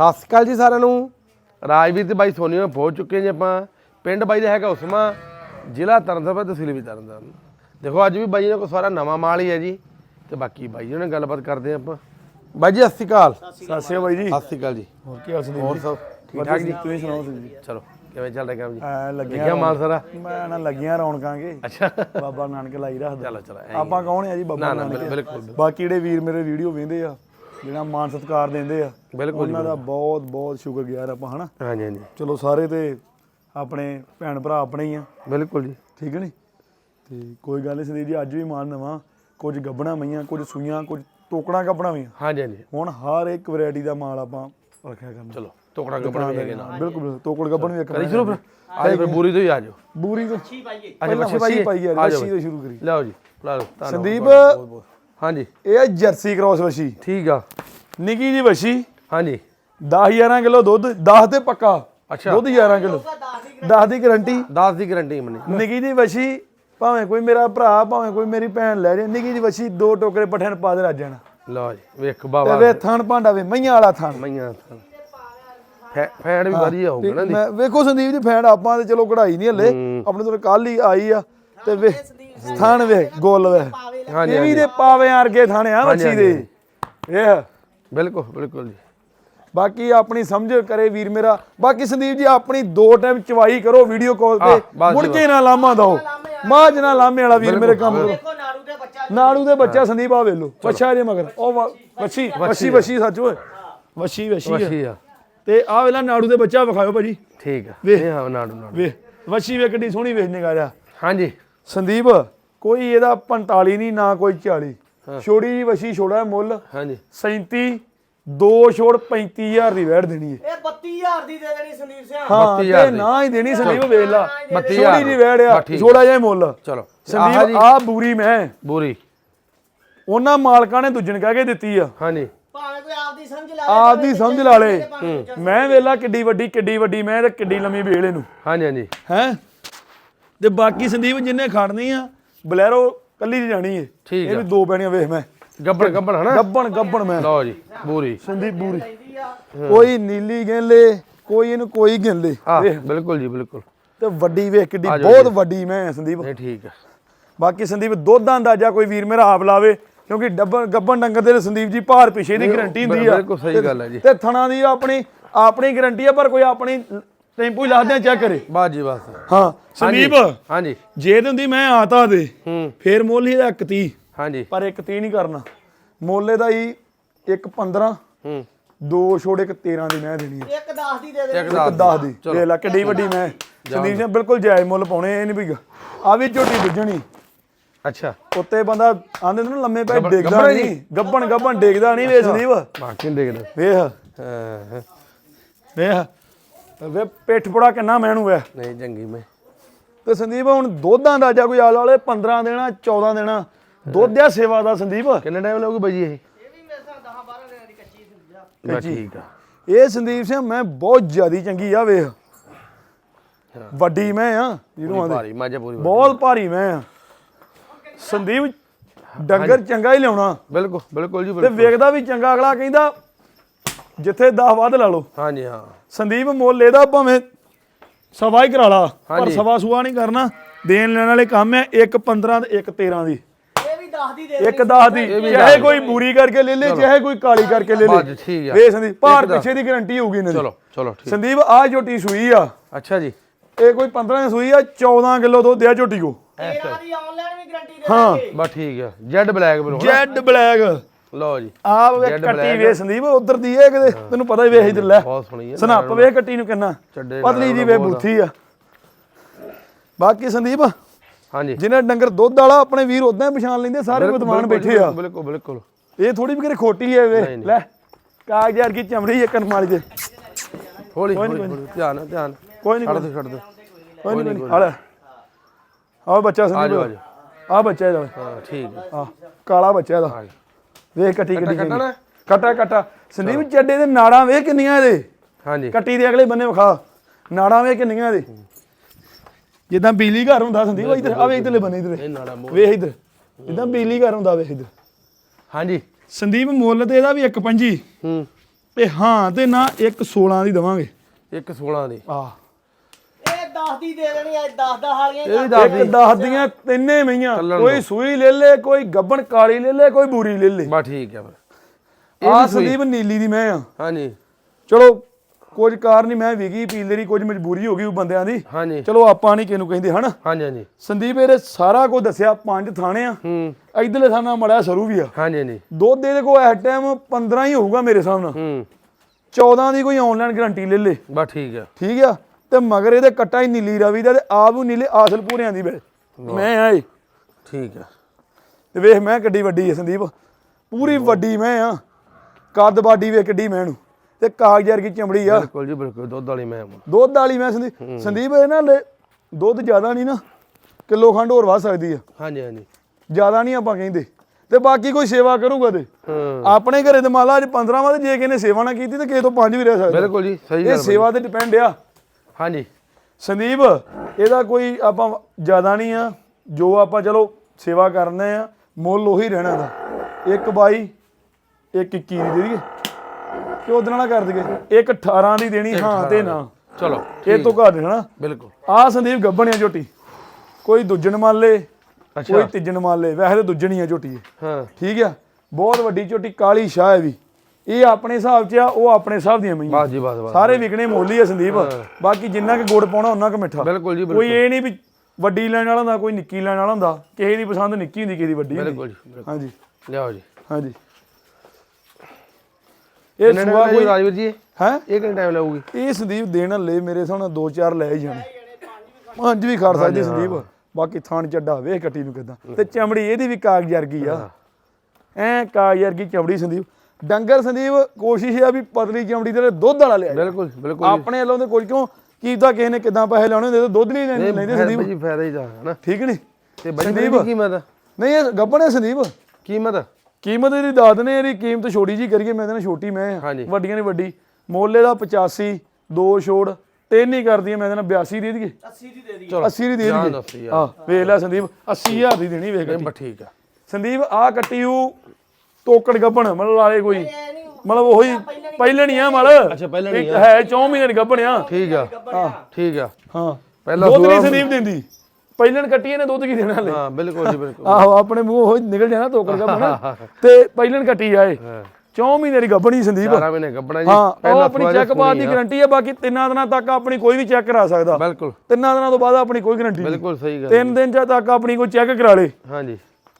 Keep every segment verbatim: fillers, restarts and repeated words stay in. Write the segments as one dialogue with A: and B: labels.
A: ਸਤਿ ਸ਼੍ਰੀ ਅਕਾਲ ਜੀ ਸਾਰਿਆਂ ਨੂੰ। ਰਾਜਵੀਰ ਤੇ ਬਾਈ ਸੋਨੀ ਨਾਲ ਪਹੁੰਚ ਚੁੱਕੇ ਜੀ ਆਪਾਂ। ਪਿੰਡ ਬਾਈ ਦਾ ਹੈਗਾ ਉਸਮਾ, ਜ਼ਿਲ੍ਹਾ ਤਰਨਤਾਰਨ, ਤਹਿਸੀਲ ਵੀ ਤਰਨਤਾਰਨ। ਦੇਖੋ ਅੱਜ ਵੀ ਬਾਈ ਨੇ ਕੋਈ ਸਾਰਾ ਨਵਾਂ ਮਾਲ ਹੀ ਹੈ ਜੀ, ਤੇ ਬਾਕੀ ਬਾਈ ਜੀ ਨਾਲ ਗੱਲਬਾਤ ਕਰਦੇ ਆਪਾਂ। ਬਾਈ ਜੀ ਸਤਿ ਸ਼੍ਰੀ ਅਕਾਲ।
B: ਸਤਿ ਸ਼੍ਰੀ ਅਕਾਲ ਬਾਈ ਜੀ।
A: ਸਤਿ ਸ਼੍ਰੀ ਅਕਾਲ ਜੀ।
B: ਹੋਰ ਕੀ ਹਾਲ ਸੰਦੀਪ?
A: ਹੋਰ ਸਭ ਠੀਕ ਠਾਕ ਜੀ?
B: ਤੁਸੀਂ ਸੁਣਾਓ ਜੀ?
A: ਚਲੋ ਕਿਵੇਂ ਚੱਲ ਰਿਹਾ ਕੰਮ ਜੀ?
B: ਐ ਲੱਗਿਆ
A: ਲੱਗਿਆ ਮਾਲ ਸਾਰਾ?
B: ਮੈਂ ਨਾ ਲੱਗੀਆਂ ਰੌਣਕਾਂਗੇ।
A: ਅੱਛਾ
B: ਬਾਬਾ ਨਾਨਕ ਲਾਈ ਰੱਖਦਾ।
A: ਚਲੋ ਚਲੋ
B: ਆਪਾਂ ਕੌਣ ਆ ਜੀ ਬਾਬਾ ਨਾਨਕ?
A: ਬਿਲਕੁਲ
B: ਬਾਕੀ ਜਿਹੜੇ ਵੀਰ ਮੇਰੇ ਵੀਡੀਓ ਵੇਖਦੇ ਆ, ਜਿਹੜਾ ਮਾਨ ਸਤਿਕਾਰ ਦਿੰਦੇ ਆ,
A: ਬਿਲਕੁਲ
B: ਉਹਨਾਂ ਦਾ ਬਹੁਤ ਬਹੁਤ ਸ਼ੁਕਰਗੁਜ਼ਾਰ ਆਪਾਂ ਹਨਾ।
A: ਹਾਂਜੀ ਹਾਂਜੀ
B: ਚਲੋ ਸਾਰੇ ਤੇ ਆਪਣੇ ਭੈਣ ਭਰਾ ਆਪਣੇ ਹੀ ਆ।
A: ਬਿਲਕੁਲ ਜੀ।
B: ਠੀਕ ਹੈ ਨੀ? ਤੇ ਕੋਈ ਗੱਲ ਨਹੀਂ ਸੰਦੀਪ ਜੀ, ਅੱਜ ਵੀ ਮਾਲ ਨਵਾਂ, ਕੁਝ ਗੱਬਣਾ ਮਈਆਂ, ਕੁਝ ਸੂਈਆਂ, ਕੁਝ ਟੋਕੜਾਂ ਗੱਬਣਾ ਵੀ।
A: ਹਾਂਜੀ ਹਾਂਜੀ
B: ਹੁਣ ਹਰ ਇੱਕ ਵੈਰਾਈਟੀ ਦਾ ਮਾਲ ਆਪਾਂ ਰੱਖਿਆ ਕਰਨਾ।
A: ਚਲੋ ਟੋਕੜਾ ਗੱਬਣਾ ਵੀ ਹੈਗੇ ਨਾਲ।
B: ਬਿਲਕੁਲ ਤੋਕੜ ਗੱਬਣ ਵੀ ਇੱਕ
A: ਕਰੀ ਸ਼ੁਰੂ ਫਿਰ। ਆਏ ਫਿਰ ਬੂਰੀ ਤੋਂ ਹੀ ਆ ਜਾਓ।
B: ਬੂਰੀ ਤੋਂ
A: ਅੱਛਾ ਮੱਛੀ ਪਾਈਏ?
B: ਪਾਈ ਯਾਰ,
A: ਆ ਜਾਓ
B: ਵੱਛੀ ਤੋਂ ਸ਼ੁਰੂ ਕਰੀ।
A: ਲਓ ਜੀ ਲਾ ਲਓ। ਧੰਨਵਾਦ
B: ਸੰਦੀਪ
A: ਬਹੁਤ ਬਹੁਤ। ਹਾਂਜੀ
B: ਇਹ ਆ ਜਰਸੀ ਕ੍ਰਾਸ ਵੱਛੀ,
A: ਠੀਕ ਆ।
B: ਨਿੱਕੀ ਜੀ ਵੱਛੀ,
A: ਹਾਂਜੀ
B: ਦਸ ਗਿਆਰਾਂ ਕਿਲੋ ਦੁੱਧ, ਦਸ ਤੇ ਪੱਕਾ
A: ਅੱਛਾ
B: ਦੁੱਧ, ਗਿਆਰਾਂ ਕਿਲੋ ਦਸ ਦੀ ਗਰੰਟੀ।
A: ਦਸ ਦੀ ਗਰੰਟੀ ਮੰਨੀ।
B: ਨਿੱਕੀ ਜੀ ਵੱਛੀ, ਭਾਵੇਂ ਕੋਈ ਮੇਰਾ ਭਰਾ ਭਾਵੇਂ ਕੋਈ ਮੇਰੀ ਭੈਣ ਲੈ ਜੇ, ਨਿੱਕੀ ਜੀ ਵੱਛੀ ਦੋ ਟੋਕਰੇ ਪੱਠਿਆਂ ਨੂੰ ਪਾ ਦੇ ਰੱਜ ਜਾਣਾ।
A: ਲਓ ਜੀ ਵੇਖ
B: ਤੇ
A: ਬਾਬਾ
B: ਵੇ ਥਣ ਭਾਂਡਾ ਵੇ ਮਈਆਂ ਵਾਲਾ ਥਣ।
A: ਮਈਆਂ ਫੈ ਫੈੜ ਵੀ ਵਧੀਆ ਹੋਊਗਾ ਨਾ ਦੀ।
B: ਮੈਂ ਵੇਖੋ ਸੰਦੀਪ ਜੀ ਫੈਂਡ ਆਪਾਂ ਤੇ ਚਲੋ ਕਢਾਈ ਨਹੀਂ ਹਲੇ, ਆਪਣੇ ਤੋਂ ਕੱਲ ਹੀ ਆਈ ਆ। ਤੇ ਵੇ ਥਣ ਵੇ ਗੋਲ ਵੇ,
A: ਹਾਂਜੀ
B: ਇਹ ਵੀ ਦੇ ਪਾਵੇ ਵਰਗੇ ਥਣ ਆ ਵੱਛੀ ਦੇ। ਇਹ
A: ਬਿਲਕੁਲ ਬਿਲਕੁਲ ਜੀ।
B: ਬਾਕੀ ਆਪਣੀ ਸਮਝ ਕਰੇ ਵੀਰ ਮੇਰਾ। ਬਾਕੀ ਸੰਦੀਪ ਜੀ ਆਪਣੀ ਦੋ ਟਾਈਮ ਚਵਾਈ ਕਰੋ ਵੀਡੀਓ ਕਾਲ ਤੇ, ਮੁੜ ਕੇ ਨਾ ਲਾਮਾ ਦਓ। ਮਾਝ ਨਾ ਲਾਮੇ ਵਾਲਾ ਵੀਰ ਮੇਰੇ ਕੰਮ ਕਰੋ। ਨਾੜੂ ਦੇ ਬੱਚਾ ਸੰਦੀਪ ਆ ਵੇਲੋ ਬੱਚਾ ਜੇ ਮਗਰ ਉਹ ਵੱਛੀ ਵੱਛੀ ਵੱਛੀ ਸੱਚ ਓਏ ਵੱਛੀ ਵੱਛੀ
A: ਵੱਛੀ ਆ।
B: ਤੇ ਆ ਵੇਲਾ ਨਾੜੂ ਦੇ ਬੱਚਾ ਵਿਖਾਇਓ ਭਾਜੀ।
A: ਠੀਕ ਆ
B: ਵੇਖ।
A: ਇਹ ਹਾਂ ਨਾੜੂ ਨਾੜੂ
B: ਵੇ ਵੱਛੀ ਵੇ ਕਿੱਡੀ ਸੋਹਣੀ ਵੇਚਨੇ ਗਾ ਜਾ
A: ਹਾਂਜੀ
B: ਸੰਦੀਪ। ਕੋਈ ਇਹਦਾ ਪੰਤਾਲੀ ਨਹੀਂ ਨਾ ਕੋਈ ਚਾਲੀ। ਛੋੜੀ ਜੀ ਵੱਛੀ ਛੋੜਾ ਮੁੱਲ
A: ਹਾਂਜੀ
B: ਸੈਂਤੀ, ਦੋ ਛੋੜ ਪੈਂਤੀ ਹਜ਼ਾਰ ਦੀ ਵੈੜ ਦੇਣੀ ਹੈ।
C: ਇਹ ਬੱਤੀ ਹਜ਼ਾਰ ਦੀ ਦੇ ਦੇਣੀ ਸੰਦੀਪ ਸਿੰਘ।
B: ਹਾਂ ਤੇ ਨਾ ਹੀ ਦੇਣੀ ਸੰਦੀਪ ਵੇਖ ਲਾ।
A: ਬੱਤੀ ਹਜ਼ਾਰ
B: ਛੋੜੀ ਜੀ ਵੈੜ ਆ, ਛੋੜਾ ਜਿਹਾ ਮੁੱਲ।
A: ਚਲੋ
B: ਸੰਦੀਪ ਆ ਬੂਰੀ ਮੈਂ
A: ਬੂਰੀ
B: ਉਹਨਾਂ ਮਾਲਕਾਂ ਨੇ ਦੂਜਣ ਕਹਿ ਕੇ ਦਿੱਤੀ ਆ।
A: ਹਾਂਜੀ
C: ਭਾਵੇਂ ਕੋਈ ਆਪਦੀ ਸਮਝ ਲਾ
B: ਆਪਦੀ ਸਮਝ ਲਾ ਲੇ। ਮੈਂ ਵੇਲਾ ਕਿੱਡੀ ਵੱਡੀ ਕਿੱਡੀ ਵੱਡੀ ਮੈਂ ਤੇ ਕਿੱਡੀ ਲੰਮੀ ਵੇਲ ਇਹਨੂੰ
A: ਹਾਂਜੀ ਹਾਂਜੀ
B: ਹੈ। ਤੇ ਬਾਕੀ ਸੰਦੀਪ ਜਿੰਨੇ ਖੜਨੀ ਆ ਬਲੈਰੋ ਕੱਲੀ ਦੀ ਜਾਣੀ ਏ।
A: ਠੀਕ
B: ਇਹ ਵੀ ਦੋ ਪੈਣੀਆਂ ਵੇਖ ਮੈਂ
A: ਗੱਬਣ ਗੱਬਣ ਹਨਾ।
B: ਗੱਬਣ ਗੱਬਣ ਮੈਂ
A: ਲਓ ਜੀ ਬੂਰੀ
B: ਸੰਦੀਪ ਬੂਰੀ। ਕੋਈ ਨੀਲੀ ਗੇਲੇ, ਕੋਈ ਇਹਨੂੰ ਕੋਈ ਗੇਲੇ
A: ਹਾਂ
B: ਵੇਖ।
A: ਬਿਲਕੁਲ ਜੀ ਬਿਲਕੁਲ।
B: ਤੇ ਵੱਡੀ ਵੇਖ ਕਿੱਡੀ ਬਹੁਤ ਵੱਡੀ ਮੈਂ ਆ ਸੰਦੀਪ।
A: ਨਹੀਂ ਠੀਕ ਆ।
B: ਬਾਕੀ ਸੰਦੀਪ ਦੁੱਧ ਦਾ ਅੰਦਾਜ਼ਾ ਕੋਈ ਵੀਰ ਮੇਰਾ ਆਪ ਲਾਵੇ, ਕਿਉਂਕਿ ਡੱਬਣ ਗੱਬਣ ਡੰਗਰ ਦੇ ਸੰਦੀਪ ਜੀ ਭਾਰ ਪਿਛੇ ਦੀ ਗਰੰਟੀ ਹੁੰਦੀ ਆ।
A: ਬਿਲਕੁਲ ਸਹੀ ਗੱਲ ਹੈ ਜੀ।
B: ਤੇ ਥਣਾ ਦੀ ਆਪਣੀ ਆਪਣੀ ਗਰੰਟੀ ਆ, ਪਰ ਕੋਈ ਆਪਣੀ ਟੈਂਪੂ ਹੀ ਲਾਦੇ ਚੈੱਕ ਕਰੇ।
A: ਬਸ ਜੀ ਬਸ।
B: ਹਾਂ ਸੰਦੀਪ
A: ਹਾਂਜੀ
B: ਜੇ ਤੇ ਹੁੰਦੀ ਮੈਂ ਆਤਾ ਦੇ
A: ਹੂੰ
B: ਫੇਰ ਮੁੱਲ ਹੀ ਇੱਕ ਤੀਹ,
A: ਹਾਂਜੀ
B: ਪਰ ਇੱਕ ਤੀਹ ਨਹੀਂ ਕਰਨਾ। ਮੁੱਲ ਇਹਦਾ ਹੀ ਇੱਕ ਪੰਦਰਾਂ,
A: ਹੂੰ
B: ਦੋ ਛੋੜ ਇੱਕ ਤੇਰਾਂ ਦੀ ਮੈਂ ਦੇਣੀ ਹੈ।
C: ਇੱਕ ਦਸ ਦੀ ਦੇ ਦੇ।
A: ਇੱਕ
B: ਇੱਕ ਦਸ ਦੀ ਵੇਖ ਲੈ ਕਿੱਡੀ ਵੱਡੀ ਮੈਂ ਸੰਦੀਪ ਸਿੰਘ। ਬਿਲਕੁਲ ਜਾਇਜ਼ ਮੁੱਲ ਪਾਉਣੇ, ਇਹ ਨਹੀਂ ਵੀ ਆ ਵੀ ਝੋਟੀ ਵੱਜਣੀ।
A: ਅੱਛਾ
B: ਉੱਤੇ ਬੰਦਾ ਆਂਦੇ ਨੇ ਲੰਮੇ ਪੈ ਡੇਗਦਾ ਨਹੀਂ, ਗੱਬਣ ਗੱਬਣ ਡੇਗਦਾ ਨਹੀਂ। ਵੇ ਸੰਦੀਪ
A: ਬਾਕੀ ਨਹੀਂ ਦੇਖਦਾ।
B: ਵੇਖ
A: ਹਾਂ
B: ਵੇਖ ਵੇ ਪਿੱਠ ਪੁੜਾ ਕਿੰਨਾ ਮੈਨੂੰ ਵੇ।
A: ਨਹੀਂ ਚੰਗੀ ਮੈਂ
B: ਤੇ ਸੰਦੀਪ ਹੁਣ ਦੁੱਧਾਂ ਦਾ ਜਾਂ ਕੋਈ ਆਲੇ ਵਾਲੇ ਪੰਦਰਾਂ ਦੇਣਾ ਚੌਦਾਂ ਦੇਣਾ ਦੁੱਧ ਆ ਸੇਵਾ ਦਾ ਸੰਦੀਪ।
A: ਕਿੰਨੇ ਟਾਈਮ ਲੱਗੂ ਬਾਈ ਇਹ?
C: ਇਹ ਵੀ ਮੇਰੇ ਸਾਹ ਦਸ ਬਾਰਾਂ ਦਿਨਾਂ ਦੀ ਕੱਚੀ ਸੀ।
A: ਬਸ ਠੀਕ ਆ।
B: ਇਹ ਸੰਦੀਪ ਸਿੰਘ ਮੈਂ ਬਹੁਤ ਜ਼ਿਆਦੀ ਚੰਗੀ ਆ ਵੇਖ। ਵੱਡੀ ਮੈਂ ਆ ਜਿਹਨੂੰ ਆਂਦੇ
A: ਭਾਰੀ ਮਾਝਾ ਪੂਰੀ
B: ਬਹੁਤ ਭਾਰੀ ਮੈਂ ਆ ਸੰਦੀਪ। ਡੰਗਰ ਚੰਗਾ ਹੀ ਲਿਆਉਣਾ
A: ਬਿਲਕੁਲ ਬਿਲਕੁਲ ਜੀ
B: ਤੇ
A: ਬਿਲਕੁਲ।
B: ਵੇਖਦਾ ਵੀ ਚੰਗਾ। ਅਗਲਾ ਕਹਿੰਦਾ ਜਿੱਥੇ ਦਸ ਵੱਧ ਲਾ ਲਓ।
A: ਹਾਂਜੀ ਹਾਂ
B: ਸੰਦੀਪ ਮੁੱਲ ਇਹਦਾ ਭਾਵੇਂ ਸਵਾ ਹੀ ਕਰਾ ਲਾ, ਪਰ ਸਵਾ ਸੁਆ ਨਹੀਂ ਕਰਨਾ। ਦੇਣ ਲੈਣ ਵਾਲੇ ਕੰਮ ਹੈ। ਇੱਕ ਪੰਦਰਾਂ ਤੇ ਇੱਕ ਤੇਰਾਂ ਦੀ,
C: ਇਹ ਵੀ ਦਸ ਦੀ ਦੇ
B: ਇੱਕ ਦਸ ਦੀ। ਚਾਹੇ ਕੋਈ ਬੂਰੀ ਕਰਕੇ ਲੈ ਲੇ, ਚਾਹੇ ਕੋਈ ਕਾਲੀ ਕਰਕੇ ਲੈ
A: ਬਸ
B: ਲੇ।
A: ਠੀਕ ਆ।
B: ਵੇ ਸੰਦੀਪ ਭਾਰ ਪਿੱਛੇ ਦੀ ਗਰੰਟੀ ਹੋਊਗੀ ਇਹਨਾਂ ਦੀ।
A: ਚਲੋ ਚਲੋ ਠੀਕ।
B: ਸੰਦੀਪ ਆ ਝੋਟੀ ਸੂਈ ਆ।
A: ਅੱਛਾ ਜੀ
B: ਇਹ ਕੋਈ ਪੰਦਰਾਂ ਦੀ ਸੂਈ ਆ, ਚੌਦਾਂ ਕਿਲੋ ਦੁੱਧ ਆ ਝੋਟੀ ਕੋ।
C: ਤੇਰਾਂ ਦੀ ਆਨਲਾਈਨ ਵੀ ਗਾਰੰਟੀ ਦੇ
B: ਹਾਂ
C: ਦੇਣਗੇ।
A: ਬਸ ਠੀਕ ਆ। Zed Black bro
B: Zed Black
A: ਲਓ ਜੀ।
B: ਆ ਵੇ ਕੱਟੀ ਵੇ ਸੰਦੀਪ ਉਧਰ ਦੀ ਇਹ ਕਿਤੇ ਤੈਨੂੰ ਪਤਾ ਹੀ ਵੇਖ ਇਧਰ ਲੈ
A: ਬਹੁਤ ਸੋਹਣੀ ਹੈ।
B: ਸਨੱਪ ਵੇ ਕੱਟੀ ਨੂੰ ਕਿੰਨਾ ਪਤਲੀ ਜੀ ਵੇ ਬੂਥੀ ਆ। ਬਾਕੀ ਸੰਦੀਪ
A: ਹਾਂਜੀ
B: ਜਿਹਨੇ ਡੰਗਰ ਦੁੱਧ ਵਾਲਾ ਆਪਣੇ ਵੀਰ ਉਦਾਂ ਹੀ ਪਛਾਣ ਲੈਂਦੇ ਸਾਰੇ ਵਿਦਵਾਨ ਬੈਠੇ ਆ।
A: ਬਿਲਕੁਲ ਬਿਲਕੁਲ।
B: ਇਹ ਥੋੜੀ ਵੀ ਕਿਤੇ ਖੋਟੀ ਹੈ ਵੇ ਲੈ ਕਾਗਜ਼ ਯਾਰ ਕੀ ਚਮੜੀ ਇੱਕ ਮਾਲੀ ਦੇ।
A: ਹੌਲੀ ਹੌਲੀ ਧਿਆਨ ਨਾਲ ਧਿਆਨ।
B: ਕੋਈ ਨਹੀਂ
A: ਛੱਡ ਦੋ ਛੱਡ ਦੋ
B: ਕੋਈ ਨਹੀਂ ਆ ਲੈ ਆ ਬੱਚਾ ਸੰਦੀਪ ਆ ਬੱਚਾ ਇਹਦਾ
A: ਹਾਂ ਠੀਕ ਹੈ।
B: ਆ ਕਾਲਾ ਬੱਚਾ ਇਹਦਾ ਵੇਖ ਕੱਟੀ ਕੱਟੀ
A: ਕੱਟਣਾ
B: ਕੱਟਾ ਕੱਟਾ ਸੰਦੀਪ ਚੱਡੇ ਦੇ ਨਾੜਾਂ ਵੇਖ ਕਿੰਨੀਆਂ ਇਹਦੇ।
A: ਹਾਂਜੀ
B: ਕੱਟੀ ਦੇ ਅਗਲੇ ਬੰਨੇ ਵਿਖਾ ਨਾੜਾਂ ਵੇਖ ਕਿੰਨੀਆਂ ਇਹਦੇ। ਜਿੱਦਾਂ ਬਿਜਲੀ ਘਰ ਹੁੰਦਾ ਸੰਦੀਪ ਇਧਰ ਆ ਵੇ ਇਧਰਲੇ ਬੰਨੇ ਇਧਰ
A: ਇਹ ਨਾੜਾ ਮੋਹ
B: ਵੇਖ ਇਧਰ ਜਿੱਦਾਂ ਬਿਜਲੀ ਘਰ ਹੁੰਦਾ ਵੇਖ ਇਧਰ।
A: ਹਾਂਜੀ
B: ਸੰਦੀਪ ਮੁੱਲ ਤੇ ਇਹਦਾ ਵੀ ਇੱਕ ਪੰਜੀ,
A: ਹੂੰ
B: ਇਹ ਹਾਂ ਤੇ ਨਾ ਇੱਕ ਸੋਲਾਂ ਦੀ ਦਵਾਂਗੇ
A: ਇੱਕ ਸੋਲਾਂ ਦੀ
B: ਆ
C: ਇਹ ਦਸ ਦੀ ਦੇ ਦੇਣੀ ਅੱਜ ਦਸ ਦਾ ਹਾਲੀਆਂ
A: ਇਹ ਵੀ ਦੱਸ
B: ਇੱਕ ਦਸ ਦੀਆਂ ਤਿੰਨੇ ਮਈਆਂ
A: ਚੱਲਣ
B: ਕੋਈ ਸੂਈ ਲੈ ਲੈ ਕੋਈ ਗੱਬਣ ਕਾਲੀ ਲੈ ਲੈ ਕੋਈ ਬੂਰੀ ਲੈ ਲੈ
A: ਬਾ ਠੀਕ ਹੈ ਫਿਰ
B: ਆ ਸੰਦੀਪ ਨੀਲੀ ਦੀ ਮੈਂ ਆ
A: ਹਾਂਜੀ
B: ਚਲੋ ਕੁਝ ਕਾਰਨ ਨਹੀਂ ਮੈਂ ਵਿਗੀ ਪੀਲਰੀ ਕੁਝ ਮਜਬੂਰੀ ਹੋ ਗਈ ਉਹ ਬੰਦਿਆਂ ਦੀ
A: ਹਾਂਜੀ
B: ਚਲੋ ਆਪਾਂ ਨਹੀਂ ਕਿਹਨੂੰ ਕਹਿੰਦੇ ਹਨਾ
A: ਹਾਂਜੀ ਹਾਂਜੀ
B: ਸੰਦੀਪ ਇਹਦੇ ਸਾਰਾ ਕੁਝ ਦੱਸਿਆ ਪੰਜ ਥਾਣੇ ਆ
A: ਹੂੰ
B: ਇਧਰਲੇ ਥਾਣਾ ਮੜਿਆ ਸਰੂ ਵੀ ਆ
A: ਹਾਂਜੀ ਹਾਂਜੀ
B: ਦੁੱਧ ਇਹਦੇ ਕੋਲ ਇਸ ਟਾਈਮ ਪੰਦਰਾਂ ਹੀ ਹੋਊਗਾ ਮੇਰੇ ਹਿਸਾਬ ਨਾਲ
A: ਹੂੰ
B: ਚੌਦਾਂ ਦੀ ਕੋਈ ਆਨਲਾਈਨ ਗਾਰੰਟੀ ਲੈ ਲੈ
A: ਬਾ ਠੀਕ ਹੈ
B: ਠੀਕ ਆ ਤੇ ਮਗਰ ਇਹਦੇ ਕੱਟਾ ਹੀ ਨੀਲੀ ਰਵੀ ਦਾ ਤੇ ਆਪ ਨੂੰ ਨੀਲੇ ਆਸਲ ਪੂਰਿਆਂ ਦੀ ਵੇ ਮੈਂ ਆਏ
A: ਠੀਕ ਹੈ
B: ਤੇ ਵੇਖ ਮੈਂ ਕਿੱਡੀ ਵੱਡੀ ਹੈ ਸੰਦੀਪ ਪੂਰੀ ਵੱਡੀ ਮੈਂ ਆ ਕੱਦ ਬਾਡੀ ਵੇ ਕਿੱਡੀ ਮੈਂ ਨੂੰ ਤੇ ਕਾਗਜ਼ ਵਰਗੀ ਚਮੜੀ ਆ
A: ਬਿਲਕੁਲ ਜੀ ਬਿਲਕੁਲ ਦੁੱਧ ਵਾਲੀ ਮੈਂ
B: ਦੁੱਧ ਵਾਲੀ ਮੈਂ ਸੰਦੀਪ ਸੰਦੀਪ ਇਹ ਨਾ ਲੈ- ਦੁੱਧ ਜ਼ਿਆਦਾ ਨਹੀਂ ਨਾ ਕਿਲੋ ਖੰਡ ਹੋਰ ਵੱਧ ਸਕਦੀ ਆ
A: ਹਾਂਜੀ ਹਾਂਜੀ
B: ਜ਼ਿਆਦਾ ਨਹੀਂ ਆਪਾਂ ਕਹਿੰਦੇ ਤੇ ਬਾਕੀ ਕੋਈ ਸੇਵਾ ਕਰੂਗਾ ਤੇ
A: ਹਾਂ
B: ਆਪਣੇ ਘਰੇ ਤੇ ਮੰਨ ਲਾ ਅੱਜ ਪੰਦਰਾਂ ਵਾ ਤੇ ਜੇ ਕਿਸੇ ਨੇ ਸੇਵਾ ਨਾ ਕੀਤੀ ਤੇ ਕਿਸੇ ਤੋਂ ਪੰਜ ਵੀ ਰਹਿ ਸਕਦਾ
A: ਬਿਲਕੁਲ ਜੀ ਸਹੀ
B: ਇਹ
A: ਗੱਲ
B: ਸੇਵਾ ਤੇ ਡਿਪੈਂਡ ਆ
A: ਹਾਂਜੀ
B: ਸੰਦੀਪ ਇਹਦਾ ਕੋਈ ਆਪਾਂ ਜ਼ਿਆਦਾ ਨਹੀਂ ਆ ਜੋ ਆਪਾਂ ਚਲੋ ਸੇਵਾ ਕਰਨੇ ਆ ਮੁੱਲ ਉਹੀ ਰਹਿਣਾ ਦਾ ਇੱਕ ਬਾਈ ਇੱਕ ਇੱਕੀ ਦੀ ਦੇ ਦਈਏ ਕਿ ਉਹਦੇ ਨਾਲ ਕਰ ਦਈਏ ਇੱਕ ਅਠਾਰਾਂ ਦੀ ਦੇਣੀ ਹਾਂ ਤੇ ਨਾ
A: ਚਲੋ
B: ਇਹ ਤੋਂ ਘੱਟ ਹਨਾ
A: ਬਿਲਕੁਲ
B: ਆ ਸੰਦੀਪ ਗੱਬਣਿਆ ਝੋਟੀ ਕੋਈ ਦੁੱਜਣ ਮੰਨ ਲੇ
A: ਅੱਛਾ
B: ਕੋਈ ਤਿੱਜਣ ਮੰਨ ਲੇ ਵੈਸੇ ਤਾਂ ਦੁੱਜਣੀ ਆ ਝੋਟੀ ਇਹ
A: ਹਾਂ
B: ਠੀਕ ਆ ਬਹੁਤ ਵੱਡੀ ਝੋਟੀ ਕਾਲੀ ਸ਼ਾਹ ਹੈ ਵੀ ਇਹ ਆਪਣੇ ਹਿਸਾਬ 'ਚ ਆ ਉਹ ਆਪਣੇ ਹਿਸਾਬ ਦੀਆਂ ਮਈਆਂ
A: ਬਸ ਜੀ ਬਸ ਬਸ
B: ਸਾਰੇ ਵਿਕਣੇ ਮੁੱਲ ਹੀ ਆ ਸੰਦੀਪ ਬਾਕੀ ਜਿੰਨਾ ਕਿ ਗੁੜ ਪਾਉਣਾ ਉਹਨਾਂ ਕੁ ਮਿੱਠਾ
A: ਬਿਲਕੁਲ ਜੀ
B: ਕੋਈ
A: ਬਿਲਕੁਲ
B: ਇਹ ਨਹੀਂ ਵੀ ਵੱਡੀ ਲੈਣ ਵਾਲਾ ਹੁੰਦਾ ਕੋਈ ਨਿੱਕੀ ਲੈਣ ਵਾਲਾ ਹੁੰਦਾ ਕਿਸੇ ਦੀ ਪਸੰਦ ਨਿੱਕੀ ਹੁੰਦੀ ਕਿਸੇ ਦੀ ਵੱਡੀ ਹੁੰਦੀ
A: ਬਿਲਕੁਲ ਜੀ ਬਿਲਕੁਲ।
B: ਹਾਂਜੀ
A: ਲਿਆਓ ਜੀ
B: ਹਾਂਜੀ ਇਹ
A: ਕਿੰਨੇ
B: ਸੁਆ
A: ਟਾਈਮ
B: ਕੋਈ
A: ਰਾਜਵੀਰ ਜੀ
B: ਹੈ
A: ਇਹ ਕਿੰਨਾ ਟਾਈਮ ਲਾਊਗੀ
B: ਇਹ ਸੰਦੀਪ ਦੇਣ ਲੈ ਮੇਰੇ ਹਿਸਾਬ ਨਾਲ ਦੋ ਚਾਰ ਲੈ ਹੀ ਜਾਣੇ ਪੰਜ ਵੀ ਖੜ ਸਕਦੀ ਸੰਦੀਪ ਬਾਕੀ ਥਾਣ ਚੱਡਾ ਵੇਖ ਕੱਟੀ ਨੂੰ ਕਿਦਾਂ ਤੇ ਚਮੜੀ ਇਹਦੀ ਵੀ ਕਾਗਜ਼ ਵਰਗੀ ਆ ਐ ਕਾਗਜ਼ ਵਰਗੀ ਚਮੜੀ ਸੰਦੀਪ ਡੰਗਰ ਸੰਦੀਪ ਕੋਸ਼ਿਸ਼ ਆ ਵੀ ਪਤਲੀ ਚਮੜੀ ਦੇ ਦੁੱਧ ਵਾਲਾ ਲਿਆ
A: ਬਿਲਕੁਲ ਬਿਲਕੁਲ
B: ਆਪਣੇ ਵੱਲੋਂ ਤੇ ਕੁਝ ਕਿਉਂ ਕੀਤਾ ਕਿਸੇ ਨੇ ਕਿਦਾਂ ਪੈਸੇ ਲਾਉਣੇ ਹੁੰਦੇ ਤੇ ਦੁੱਧ ਨਹੀਂ ਲੈਂਦੇ ਲੈਂਦੇ ਸੰਦੀਪ
A: ਜੀ ਫਾਇਦਾ ਹੀ ਤਾਂ ਹੈ ਨਾ
B: ਠੀਕ ਨਹੀਂ
A: ਤੇ ਬਈ ਦੀ ਕੀਮਤ
B: ਨਹੀਂ ਇਹ ਗੱਬਣ ਹੈ ਸੰਦੀਪ
A: ਕੀਮਤ
B: ਕੀਮਤ ਇਹਦੀ ਦੱਸ ਦਨੇ ਇਹਦੀ ਕੀਮਤ ਛੋਟੀ ਜੀ ਕਰੀਏ ਮੈਂ ਕਹਿੰਦਾ ਛੋਟੀ ਮੈਂ ਆ ਵੱਡੀਆਂ ਨੇ ਵੱਡੀ ਮੋਲੇ ਦਾ ਪਚਾਸੀ ਦੋ ਛੋੜ ਤਿੰਨ ਹੀ ਕਰਦੀਆਂ ਮੈਂ ਕਹਿੰਦਾ ਬਿਆਸੀ ਦੇ ਦਈਏ
C: ਅੱਸੀ ਦੀ ਦੇ ਦੀ
A: ਚਲੋ
B: ਅੱਸੀ ਦੀ ਦੇ ਦਈਏ ਹਾਂ ਵੇਖ ਲੈ ਸੰਦੀਪ ਅੱਸੀ ਹਜ਼ਾਰ ਦੀ ਦੇਣੀ ਵੇਖ
A: ਬਸ ਠੀਕ ਆ
B: ਸੰਦੀਪ ਆ ਕੱਟੀ ਉਹ ਤੋਕੜ ਗੱਬਣ ਮਤਲਬ ਲਾਲੇ ਕੋਈ
C: ਇਹ ਨਹੀਂ
B: ਮਤਲਬ ਉਹੀ ਪਹਿਲਣੀ ਆ ਮਤਲਬ
A: ਅੱਛਾ ਪਹਿਲਾਂ ਨਹੀਂ
B: ਇੱਕ ਹੈ ਚੌਂ ਮਹੀਨੇ ਦੀ ਗੱਬਣਿਆ
A: ਠੀਕ ਆ ਠੀਕ ਆ
B: ਹਾਂ
A: ਪਹਿਲਾਂ
B: ਦੁੱਧ ਨਹੀਂ ਸੰਦੀਪ ਦਿੰਦੀ ਪਹਿਲਣ ਕੱਟੀ ਇਹਨੇ ਦੁੱਧ ਕੀ ਦੇਣਾ ਹਲੇ
A: ਹਾਂ ਬਿਲਕੁਲ ਜੀ ਬਿਲਕੁਲ
B: ਆਹੋ ਆਪਣੇ ਮੂੰਹ ਉਹ ਨਿਕਲ ਜਾਣਾ ਤੋਕੜ ਗੱਬਣ ਤੇ ਪਹਿਲਣ ਕੱਟੀ ਆਏ ਚੌਂ ਮਹੀਨੇ ਦੀ ਗੱਬਣੀ ਸੰਦੀਪ
A: ਚਾਰਾਂ ਮਹੀਨੇ ਗੱਬਣਾ ਜੀ
B: ਹਾਂ ਉਹ ਆਪਣੀ ਚੈੱਕ ਬਾਅਦ ਦੀ ਗਾਰੰਟੀ ਹੈ ਬਾਕੀ ਤਿੰਨਾਂ ਦਿਨਾਂ ਤੱਕ ਆਪਣੀ ਕੋਈ ਵੀ ਚੈੱਕ ਕਰਾ ਸਕਦਾ
A: ਬਿਲਕੁਲ
B: ਤਿੰਨਾਂ ਦਿਨਾਂ ਤੋਂ ਬਾਅਦ ਆਪਣੀ ਕੋਈ ਗਾਰੰਟੀ ਨਹੀਂ
A: ਬਿਲਕੁਲ ਸਹੀ ਗੱਲ
B: ਤਿੰਨ ਦਿਨ ਚ ਤੱਕ ਆਪਣੀ ਕੋਈ ਚੈੱਕ ਕਰਾ ਲੇ
A: ਹਾਂਜੀ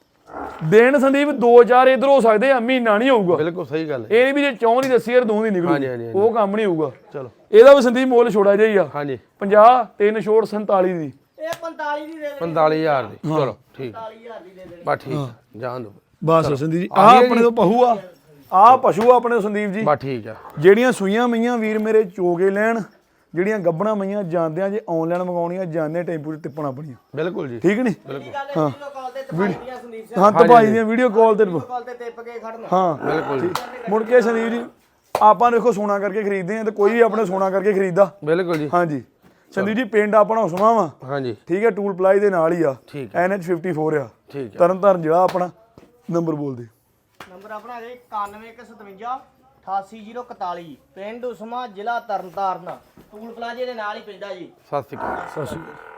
B: ਦਿਨ ਸੰਦੀਪ ਦੋ ਚਾਰ ਇਧਰ ਹੋ ਸਕਦੇ ਆ ਮਹੀਨਾ ਨਹੀਂ ਹੋਊਗਾ
A: ਬਿਲਕੁਲ ਸਹੀ ਗੱਲ ਹੈ
B: ਇਹ ਨਹੀਂ ਵੀ ਜੇ ਚੌਂ ਦੀ ਦੱਸੀ ਯਾਰ ਦੋ ਦੀ
A: ਹਾਂਜੀ,
B: ਨਿਕਲੂ
A: ਹਾਂਜੀ,
B: ਉਹ ਕੰਮ ਨਹੀਂ ਹੋਊਗਾ
A: ਚਲੋ
B: ਇਹਦਾ ਵੀ ਸੰਦੀਪ ਮੁੱਲ ਛੋੜਾ ਜਾਈ ਆ
A: ਹਾਂਜੀ
B: ਪੰਜਾਹ ਤਿੰਨ ਛੋੜ ਸੰਤਾਲੀ ਦੀ
C: ਇਹ ਪੰਤਾਲੀ ਦੀ ਦੇ ਦੇ
A: ਪੰਤਾਲੀ ਹਜ਼ਾਰ ਦੀ ਚਲੋ ਠੀਕ
C: ਪੰਤਾਲੀ ਹਜ਼ਾਰ ਦੀ ਦੇ ਦੇ
A: ਬਸ ਠੀਕ ਜਾਣ ਦੋ
B: ਬਸ ਸੰਦੀਪ ਜੀ ਆ ਆਪਣੇ ਤੋਂ ਪਹੂ ਆ ਆ ਪਸ਼ੂ ਆ ਆਪਣੇ ਤੋਂ ਸੰਦੀਪ ਜੀ
A: ਬਸ ਠੀਕ ਆ
B: ਜਿਹੜੀਆਂ ਸੂਈਆਂ ਮਈਆਂ ਵੀਰ ਮੇਰੇ ਚੋਗੇ ਲੈਣ ਜਿਹੜੀਆਂ ਗੱਬਣਾ ਮਈਆਂ ਜਾਂਦਿਆਂ ਜੇ ਆਨਲਾਈਨ ਮੰਗਾਉਣੀਆਂ ਜਾਂਦੇ ਟੈਂਪੂ ਤੇ ਟਿੱਪਣਾ ਆਪਣੀਆਂ
A: ਬਿਲਕੁਲ ਜੀ
B: ਠੀਕ ਨਹੀਂ
C: ਗੱਲ ਹੈ ਵੀਡੀਓ ਕਾਲ ਤੇ ਤਪਾਈਆਂ ਸੰਦੀਪ ਸਿੰਘ
B: ਹਾਂ ਤਪਾਈ ਦੀਆਂ ਵੀਡੀਓ ਕਾਲ ਤੇ
C: ਕਾਲ ਤੇ ਟਿਪ ਕੇ ਖੜਨਾ
B: ਹਾਂ
A: ਬਿਲਕੁਲ ਜੀ
B: ਮੁੜ ਕੇ ਸੰਦੀਪ ਜੀ ਆਪਾਂ ਦੇਖੋ ਸੋਨਾ ਕਰਕੇ ਖਰੀਦਦੇ ਆ ਤੇ ਕੋਈ ਵੀ ਆਪਣੇ ਸੋਨਾ ਕਰਕੇ ਖਰੀਦਦਾ
A: ਬਿਲਕੁਲ ਜੀ
B: ਹਾਂਜੀ ਸੰਦੀਪ ਜੀ ਪਿੰਡ ਆਪਣਾ ਉਸਮਾ ਵਾ
A: ਹਾਂਜੀ
B: ਠੀਕ ਹੈ ਟੂਲ ਪਲਾਈ ਦੇ ਨਾਲ ਹੀ ਆ
A: ਠੀਕ
B: ਐਨ ਐਚ ਫਿਫਟੀ ਫੋਰ ਆ
A: ਠੀਕ ਹੈ
B: ਤਰਨ ਤਾਰਨ ਜਿਹੜਾ ਆਪਣਾ ਨੰਬਰ ਬੋਲਦੇ
C: ਨੰਬਰ ਆਪਣਾ ਹੈ ਇਕਾਨਵੇਂ ਇੱਕ ਸੌ ਸਤਵੰਜਾ ਅਠਾਸੀ ਜ਼ੀਰੋ ਇਕਤਾਲੀ ਪਿੰਡ ਉਸਮਾ ਜ਼ਿਲ੍ਹਾ ਤਰਨਤਾਰਨ ਟੂਲ ਪਲਾਜ਼ੇ ਦੇ ਨਾਲ ਹੀ ਪੈਂਦਾ ਜੀ
A: ਸਤਿ ਸ਼੍ਰੀ ਅਕਾਲ
B: ਸਤਿ ਸ਼੍ਰੀ ਅਕਾਲ